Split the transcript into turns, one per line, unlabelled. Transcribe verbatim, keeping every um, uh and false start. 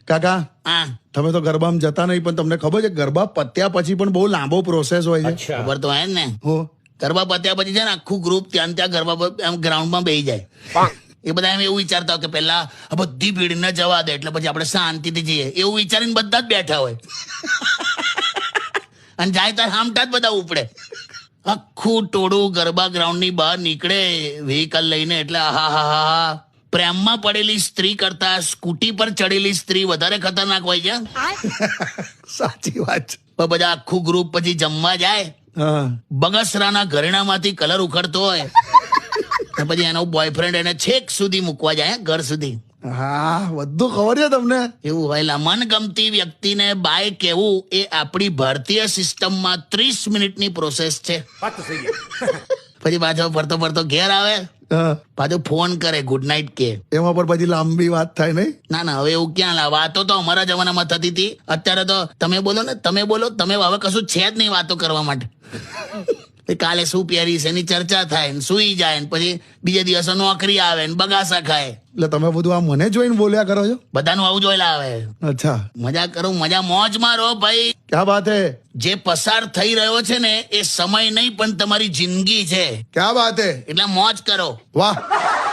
કાકા
હા
તમે તો ગરબામાં જતા નહીં, પણ તમને ખબર છે ગરબા પત્યા પછી પણ બહુ લાંબો પ્રોસેસ હોય છે.
ખબર તો હે ને.
હો
ગરબા પત્યા પછી છે ને આખું ગ્રુપ ત્યાં ત્યાં ગરબા પર એમ ગ્રાઉન્ડમાં બેસી જાય. એ બધા એમ એવું વિચારતા હોય કે પેલા આ બધી ભીડ ન જવા દે એટલે પછી આપણે શાંતિથી જઈએ એવું વિચારીને બધા જ બેઠા હોય. અને જાય ત્યારે હામટા જ બધા ઉપડે. આખું ટોળું ગરબા ગ્રાઉન્ડ ની બહાર નીકળે વ્હીકલ લઈને, એટલે હા હા હા પ્રેમમાં પડેલી સ્ત્રી કરતા સ્કૂટી પર ચડેલી સ્ત્રી વધારે ખતરનાક હોય છે.
સાચી વાત છે.
પણ બધા આખું ગ્રુપ પછી જમવા જાય,
હા
બગસરાના ઘરેણામાંથી કલર ઉખડતો હોય અને પછી એનો બોયફ્રેન્ડ એને છેક સુધી મૂકવા જાય ઘર સુધી.
હા બધું ખબર છે તમને.
એવું હોય. મનગમતી વ્યક્તિને બાય કહેવું એ આપણી ભારતીય સિસ્ટમમાં ત્રીસ મિનિટની પ્રોસેસ છે. પછી પાછો ફરતો ફરતો ઘેર આવે,
હા
પાછો ફોન કરે, ગુડ નાઇટ કે.
એમાં પણ પછી લાંબી વાત થાય નહીં.
ના ના હવે એવું ક્યાં લા વાતો તો અમારા જમાનામાં થતી હતી. અત્યારે તો તમે બોલો ને તમે બોલો તમે હવે કશું છે જ નહીં વાતો કરવા માટે. કાલે શું પહેરીશ એની ચર્ચા થાય ને સુઈ જાય ને પછી બીજે દિવસે નોકરી આવે ને બગાસા ખાય.
એટલે તમે બધું આ મને જોઈને બોલ્યા કરો છો.
બધાનું આવું જોયેલા આવે.
અચ્છા
મજા કરું, મજા મોજ મારો ભાઈ.
ક્યાં બાત હે.
જે પસાર થઈ રહ્યો છે ને એ સમય નહીં પણ તમારી જિંદગી છે.
ક્યાં બાત હે.
એટલે મોજ કરો.
વાહ.